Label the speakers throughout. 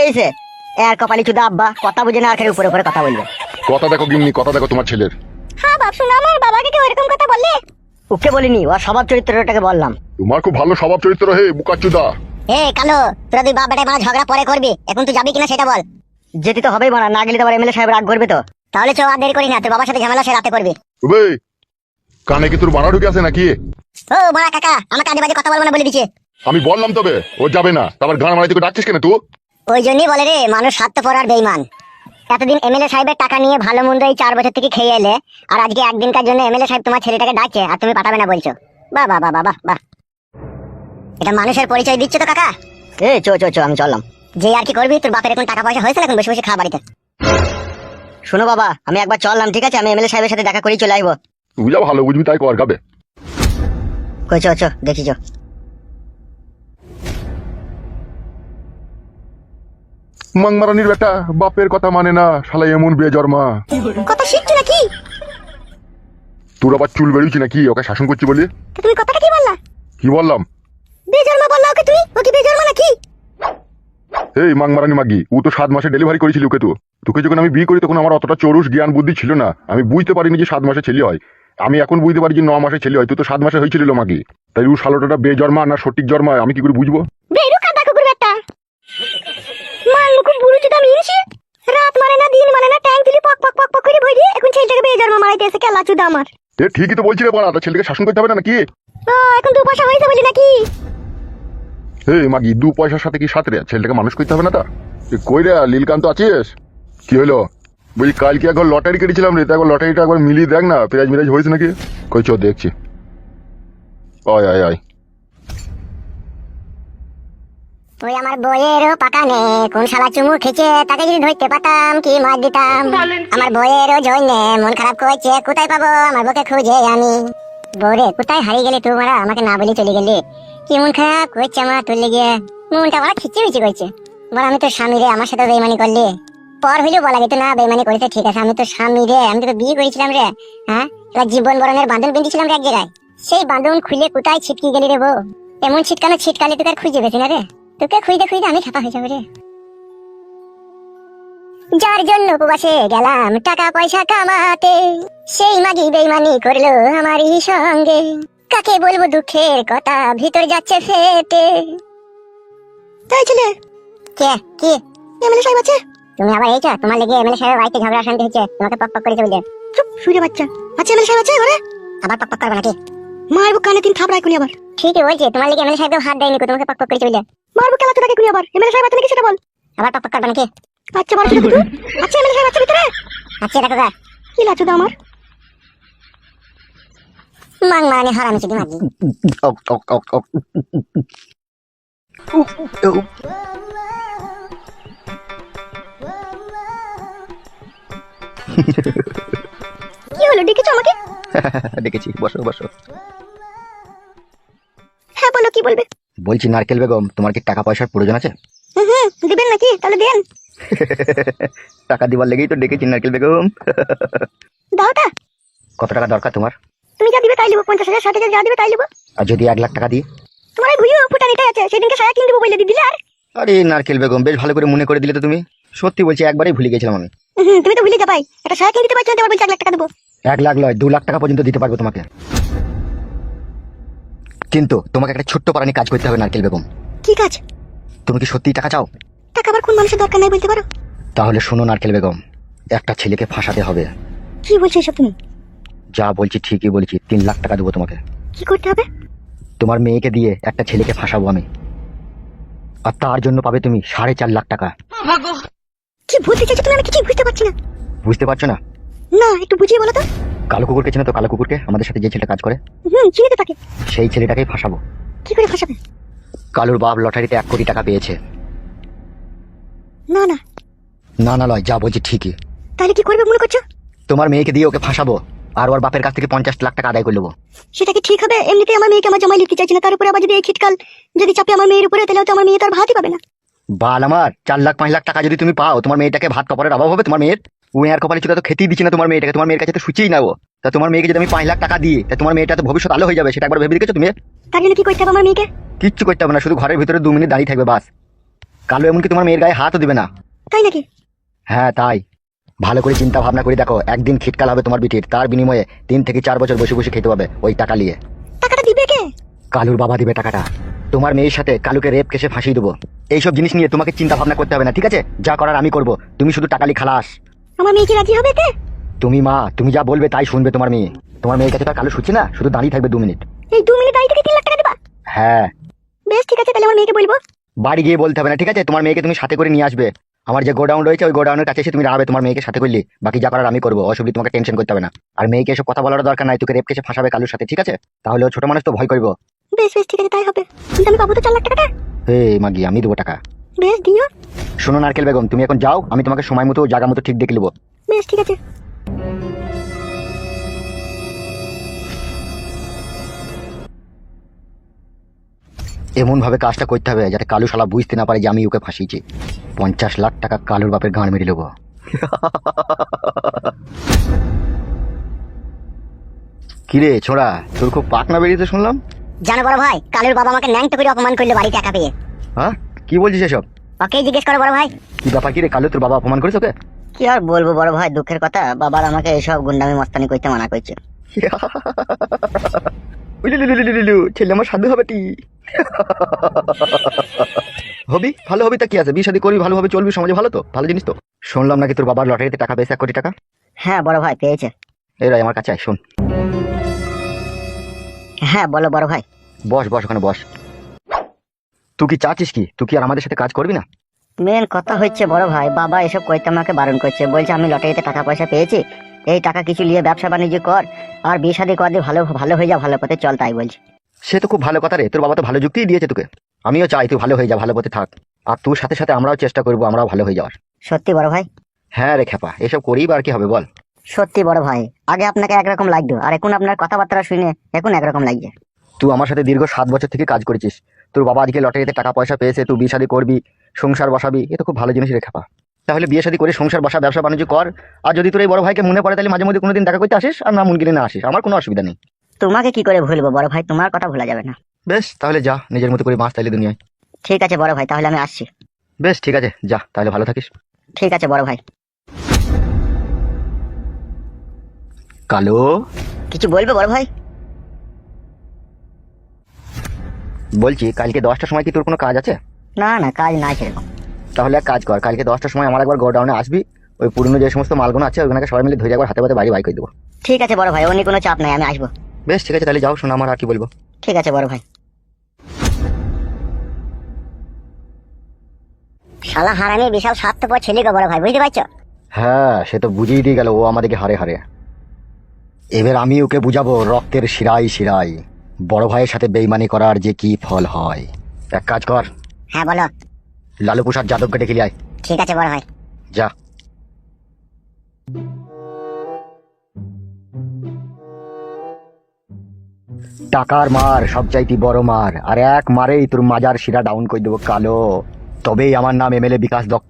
Speaker 1: হয়েছে? এর কপালি চুদা আব্বা কথা বুঝে না, আখের উপরে উপরে কথা বলবে।
Speaker 2: কথা দেখো গিন্নি, কথা দেখো তোমার ছেলের।
Speaker 1: হ্যাঁ বাপ, শোনো আমার বাবাকে কি ওইরকম কথা বললে? ওকে বলিনি, ওর স্বভাব চরিত্রটাকে বললাম।
Speaker 2: তোমার খুব ভালো স্বভাব চরিত্র হে বুকাচুদা।
Speaker 1: এ কালো, তোরা দুই বাপ বেটায় মানে ঝগড়া পরে করবি, এখন তুই যাবি কিনা সেটা বল। যেতে তো হবেই মানা, না গেলে তো আবার এমএলএ সাহেব রাগ করবে তো। তাহলে চো, আর দেরি করি না, তোর বাবার সাথে ঝামেলা সে রাতে করবি।
Speaker 2: ওবে কানে কি তোর বানা ঢুকে আছে নাকি?
Speaker 1: ও বড়া কাকা, আমাকে আজে বাজে কথা বলবো না বলে দিছে।
Speaker 2: আমি বললাম তবে ও যাবে না, তারপর গান মারাইতে ডাকছিস কেন তুই?
Speaker 1: ওই জন্যই বলে রে, মানুষ স্বার্থপর আর বেঈমান। এতদিন এমএলএ সাহেবের টাকা নিয়ে ভালো মন্দ এই 4 বছর থেকে খেয়ে এলে, আর আজকে একদিনকার জন্য এমএলএ সাহেব তোমার ছেলেটাকে ডাকছে আর তুমি পাঠাবে না বলছো। বাহ বাহ বাহ বাহ বাহ, এটা মানুষের পরিচয় দিচ্ছে তো কাকা। এ চো চো চো, আমি চললাম। যে আর কি করবি, তোর বাপের এখন টাকা পয়সা হয়েছে, এখন বসে বসে খা বাড়িতে। শোনো বাবা, আমি একবার চললাম, ঠিক আছে? আমি এমএলএ সাহেবের সাথে দেখা করেই চলে আসবো।
Speaker 2: তুই যা ভালো বুঝবি তাই কর গাবে।
Speaker 1: কই চো চো, দেখি চো।
Speaker 2: মাংমারানির বেটা বাপের কথা মানে না, শালা এমন বেজন্মা।
Speaker 1: কথা শিখছো নাকি?
Speaker 2: তোর আবার চুল বেরিয়েছি নাকি ওকে শাসন করছি বলি?
Speaker 1: তুমি কথাটা কি বললা?
Speaker 2: কি বললাম?
Speaker 1: বেজন্মা বললা ওকে তুমি? ও কি বেজন্মা নাকি?
Speaker 2: এই মাংমারানি মাগি, ও তো 7 মাসে ডেলিভারি করেছিল ওকে। তো তোকে যখন আমি বিয়ে করি তখন আমার অতটা চরুষ জ্ঞান বুদ্ধি ছিল না, আমি বুঝতে পারিনি যে 7 মাসে ছেলে হয়। আমি এখন বুঝতে পারি যে 9 মাসে ছেলে হয়, তুই তো 7 মাসে হয়েছিল মাগি। তাই ও শালোটা বেজন্মা না সঠিক জন্মা আমি কি করে বুঝবো?
Speaker 1: বেরু কাদা কুকুর বেটা, মাল মুকুম বুড়ো চুদা মিনছি। রাত মানে না দিন মানে না, ট্যাঙ্ক দিলি পক পক পক পক করে ভরি, এখন ছেলেটাকে বেজন্মা মারাইতে এসে কেলা চুদা আমার।
Speaker 2: এ ঠিকই তো বলছি রে বড়া, ছেলেকে শাসন করতে হবে না নাকি?
Speaker 1: এখন 2 পয়সা হয়েছে বলি নাকি?
Speaker 2: হে মাগি, 2 পয়সার সাথে কি সাথে রে? ছেলেটাকে মানুষ করতে হবে না তা? কই রে লীলকান্ত আছিস? কি হলো? বলছি কালকে একবার লটারি কেটেছিলাম রে, একবার লটারিটা একবার মিলিয়ে দেখ না, প্রাইজ মিরাজ হয়েছে নাকি? কই চো দেখছি। আয় আয় আয়।
Speaker 1: ওই আমার বইয়েরও পাকা নে, কোন শালা চুমু খেছে, তাকে যদি ধরতে পারতাম কি মার দিতাম। আমার বইয়েরও জন্যে মন খারাপ করছে, কোথায় পাবো আমার বউকে খুঁজে আমি। বউরে কোথায় হারিয়ে গেলি তুই মারা, আমাকে না বলে চলে গেলি। কি মন খারাপ করছে আমার তোর লেগে, মনটা আমার খিচে বিচি করছে। বল আমি তোর স্বামী রে, আমার সাথে বেইমানি করলি। পর হইলেও বলা যেত না বেইমানি করেছে, ঠিক আছে আমি তোর স্বামী রে, আমি তোকে বিয়ে করেছিলাম রে। হ্যাঁ, এবার জীবন বরণের বাঁধন বেঁধেছিলাম রে এক জায়গায়, সেই বাঁধন খুলে কোথায় ছিটকে গেলি রে বউ। এমন ছিটকানো ছিটকালি তোকে আর খুঁজে পেছি না রে, তোকে খুঁজতে খুঁজতে আমি খাপা হয়ে যাবো রে। যার জন্য উপবাসে গেলাম টাকা পয়সা কামাতে, সেই মাগি বেইমানি করলো আমারই সঙ্গে। কাকে বলবো দুঃখের কথা, ভিতর যাচ্ছে ফেটে। তাই ছেলে কে কি এমএলএ সাহেব আছে? তুমি আবার এইটা, তোমার লেগে এমএলএ সাহেবের বাড়িতে ঝগড়া শান্তি হচ্ছে, তোমাকে পক পক করে চলে। চুপ শুয়ে বাচ্চা, আচ্ছা এমএলএ সাহেব আছে ঘরে? আবার পক পক করবে নাকি? মারবো কানে 3 থাপড়াই কোনি আবার। ঠিকই বলছে, তোমার লেগে এমএলএ সাহেব হাত দেয়নি, তোমাকে পক পক করে চলে। মারবো কেলা তোকে কোনি আবার, এমএলএ সাহেব আছে নাকি সেটা বল। আবার পক পক করবে নাকি? আচ্ছা বল শুধু তুই। আচ্ছা এমএলএ সাহেব আছে ভিতরে? আচ্ছা দেখো গা কি লাচু দা আমার মাং মানে হারামি চুদি মাগি। কি হলো, ডেকেছো আমাকে?
Speaker 3: ডেকেছি, বসো বসো।
Speaker 1: হ্যাঁ বলো, কি বলবে?
Speaker 3: বলছি নারকেল বেগম, তোমার কি টাকা পয়সার প্রয়োজন আছে?
Speaker 1: দিবেন নাকি? তাহলে দেন।
Speaker 3: টাকা দিবার লেগেই তো ডেকেছি নারকেল বেগম।
Speaker 1: দাওটা।
Speaker 3: কত টাকা দরকার তোমার?
Speaker 1: তুমি যা দিবে তাই লিবো, 50,000 60,000 যা দিবে তাই লিবো।
Speaker 3: আর যদি 1 লাখ টাকা দিই?
Speaker 1: তোমার এই ভুইও ফুটানিটাই আছে, সেদিনকে সায়া কিনে দেবো বলে দিলে আর।
Speaker 3: আরে নারকেল বেগম, বেশ ভালো করে মনে করে দিলে তো তুমি। সত্যি বলছি, একবারই ভুলে গেছিলাম আমি।
Speaker 1: তুমি তো ভুলে যাবাই, একটা সায়া কিনে দিতে পারছো না, তোমার বলছি 1 লাখ টাকা দেবো।
Speaker 3: 1 লাখ নয়, 2 লাখ টাকা পর্যন্ত দিতে পারবো তোমাকে, কিন্তু তোমাকে একটা ছোট্ট পারানি কাজ করতে হবে নারকেল বেগম।
Speaker 1: কি কাজ?
Speaker 3: তুমি কি সত্যিই টাকা চাও?
Speaker 1: টাকা আবার কোন মানুষের দরকার নাই বলতে পারো?
Speaker 3: তাহলে শোনো নারকেল বেগম, একটা ছেলেকে ফাঁসাতে হবে।
Speaker 1: কি বলছো এসব তুমি?
Speaker 3: যা বলছি ঠিকই বলছি, 3 লাখ টাকা দেবো তোমাকে।
Speaker 1: কি করতে হবে?
Speaker 3: তোমার মেয়েকে দিয়ে একটা ছেলেকে ফাঁসাবো আমি, আর তার জন্য পাবে তুমি 4.5 লাখ টাকা।
Speaker 1: কি বলতে চাইছো তুমি? আমি কিছু বুঝতে পারছি না।
Speaker 3: বুঝতে পারছো না?
Speaker 1: না, একটু বুঝিয়ে বলো তো।
Speaker 3: কালো কুকুরকে চেনো তো? কালো কুকুরকে, আমাদের সাথে যে ছেলেটা কাজ করে,
Speaker 1: চিনি তো তাকে।
Speaker 3: সেই ছেলেটাকেই ফাঁসাবো।
Speaker 1: কি করে ফাঁসাবে?
Speaker 3: কালুর বাপ লটারিতে 1 কোটি টাকা পেয়েছে।
Speaker 1: না না
Speaker 3: না না লয়, যা বলছি ঠিকই।
Speaker 1: তাহলে কি করবে মনে করছো?
Speaker 3: তোমার মেয়েকে দিয়ে ওকে ফাঁসাবো, আর ওর বাপের কাছ থেকে 50 লাখ টাকা আদায় করে নেবো।
Speaker 1: সেটা কি ঠিক হবে? এমনিতেই আমার মেয়েকে আমার জামাই লিখতে চাইছি না, তার উপরে আবার যদি এই খিটকাল যদি চাপে আমার মেয়ের উপরে, তাহলে তো আমার মেয়ে তার ভাতই পাবে না।
Speaker 3: বাল আমার, 4 লাখ 5 লাখ টাকা যদি তুমি পাও, তোমার মেয়েটাকে ভাত কাপড়ের অভাব হবে তোমার মেয়ের? ও আর কপালে চুদা তো খেতেই দিচ্ছে না তোমার মেয়েটাকে, তোমার মেয়ের কাছে তো সুচিই না ও। তা তোমার মেয়েকে যদি আমি 5 লাখ টাকা দিই, তা তোমার মেয়েটা তো ভবিষ্যৎ আলো হয়ে যাবে, সেটা একবার ভেবে দেখেছো তুমি?
Speaker 1: তার জন্য কি করতে হবে আমার মেয়েকে?
Speaker 3: কিচ্ছু করতে হবে না, শুধু ঘরের ভিতরে 2 মিনিট দাঁড়িয়ে থাকবে বাস। কালো এমনকি তোমার মেয়ের গায়ে হাতও দিবে না।
Speaker 1: তাই নাকি?
Speaker 3: হ্যাঁ তাই। ভালো করে চিন্তা ভাবনা করে দেখো, একদিন খিটকাল হবে তোমার বিটির, তার বিনিময়ে 3 থেকে 4 বছর বসে বসে খেতে হবে ওই টাকা নিয়ে।
Speaker 1: টাকাটা দিবে কে?
Speaker 3: কালুর বাবা দিবে টাকাটা। তোমার মেয়ের সাথে কালুকে রেপ কেসে ফাঁসিয়ে দেবো। এইসব জিনিস নিয়ে তোমাকে চিন্তা ভাবনা করতে হবে না, ঠিক আছে? যা করার আমি করব, তুমি শুধু টাকা নিয়ে খালাস।
Speaker 1: আমার মেয়ে কি রাজি হবে তে?
Speaker 3: তুমি মা, তুমি যা বলবে তাই শুনবে তোমার মেয়ে। তোমার মেয়ের কাছে তো আর কালু শুচ্ছে না, শুধু দাঁড়িয়ে থাকবে 2 মিনিট।
Speaker 1: এই 2 মিনিট দাঁড়িয়ে থেকে 3 লাখ টাকা দিবা?
Speaker 3: হ্যাঁ।
Speaker 1: বেশ ঠিক আছে, তাহলে আমার মেয়েকে বলবো।
Speaker 3: বাড়ি গিয়ে বলতে হবে না, ঠিক আছে? তোমার মেয়েকে তুমি সাথে করে নিয়ে আসবে। আমার যে গোডাউন রয়েছে ওই গোডাউনের কাছে এসে তুমি দাঁড়াবে, তোমার মেয়েকে সাথে করলি, বাকি যা করার আমি করবো, অসুবিধা, তোমাকে টেনশন করতে হবে না। আর মেয়েকে এসব কথা বলার দরকার নাই, তোকে রেপ কেসে ফাঁসাবে কালুর সাথে, ঠিক আছে? তাহলে ও ছোট মানুষ তো ভয় করবো।
Speaker 1: বেশ বেশ ঠিক আছে, তাই হবে। কিন্তু আমি পাবো তো 4 লাখ টাকাটা?
Speaker 3: মাগি, আমি দেবো টাকা।
Speaker 1: বেশ দিও।
Speaker 3: শোনো নারকেল বেগম, তুমি এখন যাও, আমি তোমাকে সময় মতো জায়গা মতো ঠিক দেখে নেবো।
Speaker 1: বেশ ঠিক আছে।
Speaker 3: এমন ভাবে কাজটা করতে হবে যাতে কালু শালা বুঝতে না পারে যে আমি ওকে ফাঁসিয়েছি। 50 লাখ টাকা কালুর বাপের গাঁড় মেরে নেবো। কিরে ছোড়া, তোর খুব পাকনা বেরিয়েছে শুনলাম।
Speaker 1: জানো বড় ভাই, কালুর বাবা আমাকে ন্যাংটো করে অপমান করলো বাড়ি টাকা পেয়ে।
Speaker 3: হ্যাঁ, কি বলছিস এসব?
Speaker 1: ওকেই জিজ্ঞেস করো বড় ভাই।
Speaker 3: কি ব্যাপার, কি রে কালু, তোর বাবা অপমান করেছে ওকে?
Speaker 1: কি আর বলবো বড় ভাই, দুঃখের কথা, বাবার আমাকে এসব গুন্ডামি মস্তানি করতে মানা করছে।
Speaker 3: ছেলে আমার সাধু হবে টি। হবি, ভালো হবি, তা কি আছে, বিয়ে শাদী করবি, ভালোভাবে চলবি, সমাজে ভালো তো, ভালো জিনিস তো। শুনলাম নাকি তোর বাবার লটারিতে টাকা পেয়েছে 1 কোটি টাকা।
Speaker 1: হ্যাঁ বড় ভাই, পেয়েছে।
Speaker 3: এই রাই, আমার কাছে আয়, শোন।
Speaker 1: হ্যাঁ বলো বড় ভাই।
Speaker 3: বস বস, ওখানে বস। তুই কি চাচ্ছিস কি, তুই কি আর আমাদের সাথে কাজ করবি না?
Speaker 1: মেন কথা হচ্ছে বড় ভাই, বাবা এসব কইতে আমাকে বারণ করছে, বলছে আমি লটারিতে টাকা পয়সা পেয়েছি, এই টাকা কিছু নিয়ে ব্যবসা বাণিজ্য কর, আর বিয়ে শাদী কর দিয়ে ভালো ভালো হয়ে যা, ভালো পথে চল, তাই বলছে।
Speaker 3: সে তো খুব ভালো কথা রে, তোর বাবা তো ভালো যুক্তিই দিয়েছে তোকে। আমিও চাই তুই ভালো হয়ে যা, ভালো পথে থাক। আর তোর সাথে সাথে আমরাও চেষ্টা করবো, আমরাও ভালো হয়ে যাওয়ার।
Speaker 1: সত্যি বড় ভাই?
Speaker 3: হ্যাঁ রে খেপা, এসব করেই বা আর কি হবে বল।
Speaker 1: সত্যি বড় ভাই, আগে আপনাকে একরকম লাগতো, আর এখন আপনার কথাবার্তা শুনে এখন একরকম লাগছে।
Speaker 3: তুই আমার সাথে দীর্ঘ 7 বছর থেকে কাজ করেছিস, তোর বাবা আজকে লটারিতে টাকা পয়সা পেয়েছে, তুই বিয়ে শাদী করবি, সংসার বসাবি, এ তো খুব ভালো জিনিস রে খেপা। তাহলে বিয়ে শাদী করে সংসার বসা, ব্যবসা বাণিজ্য কর। আর যদি তোর এই বড় ভাইকে মনে পড়ে তাহলে মাঝে মধ্যে কোনোদিন দেখা করতে আসিস, আর না মন গেলে না আসিস, আমার কোনো অসুবিধা নেই।
Speaker 1: তোমাকে কি করে ভুলবো বড় ভাই, তোমার কথা ভোলা যাবে না।
Speaker 3: বেশ তাহলে যা, নিজের মতো করে বাঁচ তাইলে দুনিয়ায়।
Speaker 1: ঠিক আছে বড় ভাই, তাহলে আমি আসছি।
Speaker 3: বেশ ঠিক আছে, যা তাহলে, ভালো থাকিস।
Speaker 1: ঠিক আছে বড় ভাই।
Speaker 3: কালো,
Speaker 1: কিছু বলবে বড় ভাই?
Speaker 3: বলছি কালকে 10টার সময় কি তোর কোনো কাজ আছে?
Speaker 1: না না, কাজ নাই সেরকম।
Speaker 3: তাহলে এক কাজ কর, কালকে 10টার সময় আমার একবার গোডাউনে আসবি, ওই পুরনো যে সমস্ত মালগুলো আছে ওইগুলোকে সবাই মিলে ধরে একবার হাতে পাতে বাড়ি বাই করে দেবো।
Speaker 1: ঠিক আছে বড় ভাই, অন্য কোনো চাপ নাই, আমি আসবো।
Speaker 3: বেশ ঠিক আছে, তাহলে যাও, শোনো আমার আর কি বলবো।
Speaker 1: ঠিক আছে বড় ভাই। শালা হারানি বিশাল স্বার্থপর ছেলে গো বড় ভাই, বুঝতে পারছো?
Speaker 3: হ্যাঁ সে তো বুঝিয়ে দিয়ে গেল, ও আমাদেরকে হারে হারে। এবার আমি ওকে বুঝাবো রক্তের শিরায় শিরায় বড় ভাইয়ের সাথে বেইমানি করার যে কি ফল হয়। এক কাজ কর,
Speaker 1: হ্যাঁ বলো।
Speaker 3: লালু প্রসাদ যাদবকে ডেকে নিয়ে আয়।
Speaker 1: ঠিক আছে বড় ভাই।
Speaker 3: যা। টাকার মার সবচাইতে বড় মার, আর এক মারেই তোর মাজার শিরা ডাউন করে দেবো কালো। তবেই আমার নাম এমএলএ বিকাশ দত্ত।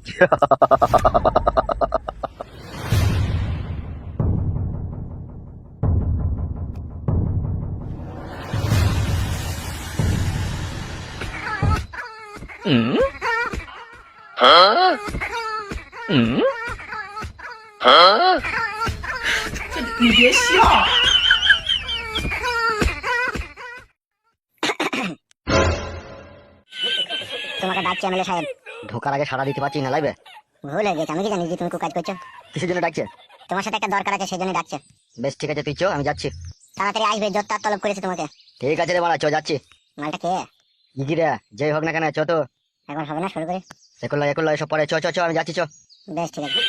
Speaker 1: তোমাকে ডাকছি এমএলএ সাহেব।
Speaker 3: ঢোকার আগে সারা দিতে পারছি না লাইবে।
Speaker 1: ভুল হয়ে গেছে, আমি কি জানি যে তুমি কাজ করছো।
Speaker 3: কিসের জন্য ডাকছে?
Speaker 1: তোমার সাথে একটা দরকার আছে, সেই জন্য ডাকছে।
Speaker 3: বেশ ঠিক আছে, তুই চো, আমি যাচ্ছি।
Speaker 1: তাড়াতাড়ি আসবে, জোর তলব করেছে তোমাকে।
Speaker 3: ঠিক আছে রে বাড়া, চো যাচ্ছি।
Speaker 1: মালটা কে?
Speaker 3: ইগি রে, যেই হোক না কেন, চো তো।
Speaker 1: এখন হবে না, শুরু করে।
Speaker 3: একুল্লা একুল্লা এসব পরে, চো চো চো, আমি যাচ্ছি, চো।
Speaker 1: বেশ ঠিক আছে।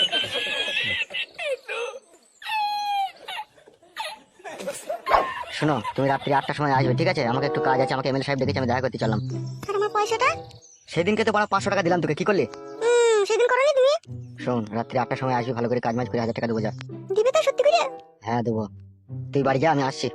Speaker 3: শোনো, তুমি রাত্রি 8টার সময় আসবে, ঠিক আছে? আমাকে একটু কাজ আছে, আমাকে এমএলএ সাহেব ডেকেছে, আমি দেখা করতে চললাম।
Speaker 1: আর আমার পয়সাটা?
Speaker 3: সেদিনকে তো বাড়া 500 টাকা দিলাম তোকে, কি করলি?
Speaker 1: সেদিন করনি তুমি?
Speaker 3: শোন, রাত্রি 8টার সময় আসবি, ভালো করে কাজ মাজ করে 1000 টাকা দেবো, যা।
Speaker 1: দিবে তো সত্যি করে?
Speaker 3: হ্যাঁ দেবো, তুই বাড়ি যা, আমি আসছি।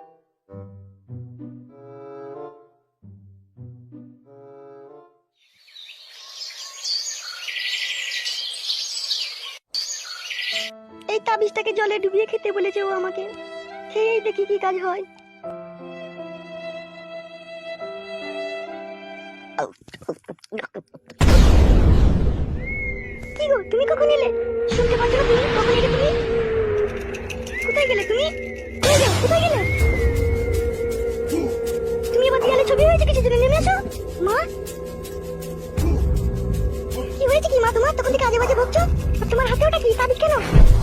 Speaker 1: এই তাবিজটাকে জলে ডুবিয়ে খেতে বলেছে ও আমাকে, খেয়েই দেখি কি কাজ হয়। গো, তুমি কখন এলে? শুনতে পাচ্ছ না তুমি? কখন এলে তুমি? কোথায় গেলে তুমি? কই যাও? কোথায় গেলে? তুমি আবার দেয়ালে ছবি হয়েছে কিছু জন্য নেমে এসো। মা, কি হয়েছে কি মা তোমার? তখন থেকে আজে বাজে বকছো। আর তোমার হাতে ওটা কি? তাবিজ কেন?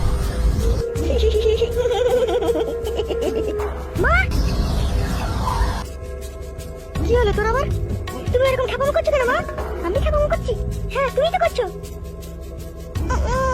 Speaker 1: মা, কি হলো তোর আবার? তুমি এরকম ঠাপামো করছো কেন মা? আমি ঠাপামো করছি? হ্যাঁ, তুমি তো করছো।